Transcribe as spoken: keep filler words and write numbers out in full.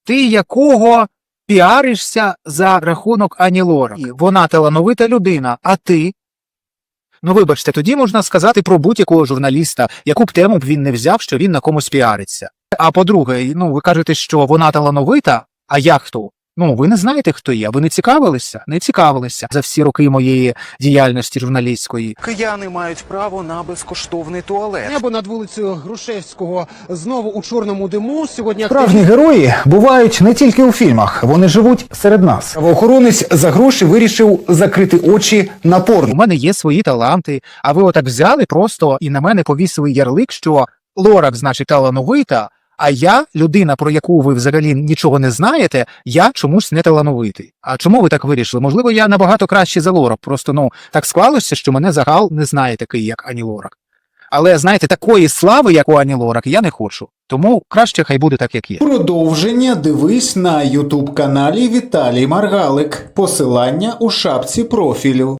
ти якого піаришся за рахунок Ані Лорак. Вона талановита людина, а ти? Ну, вибачте, тоді можна сказати про будь-якого журналіста, яку б тему б він не взяв, що він на комусь піариться. А по-друге, ну, ви кажете, що вона талановита, а я хто? Ну, ви не знаєте, хто я, ви не цікавилися? Не цікавилися за всі роки моєї діяльності журналістської. Кияни мають право на безкоштовний туалет. Небо над вулицею Грушевського знову у чорному диму. Сьогодні Справжні герої бувають не тільки у фільмах, вони живуть серед нас. Правоохоронець за гроші вирішив закрити очі на У порно. мене є свої таланти, а ви отак взяли просто і на мене повісили ярлик, що Лорак, значить, талановита, а я, людина, про яку ви взагалі нічого не знаєте, я чомусь не талановитий. А чому ви так вирішили? Можливо, я набагато краще за Лорак, просто, ну, так склалося, що мене загал не знає такий, як Ані Лорак. Але, знаєте, такої слави, як у Ані Лорак, я не хочу. Тому краще хай буде так, як є. Продовження дивись на ютуб каналі Віталій Маргалик. Посилання у шапці профілю.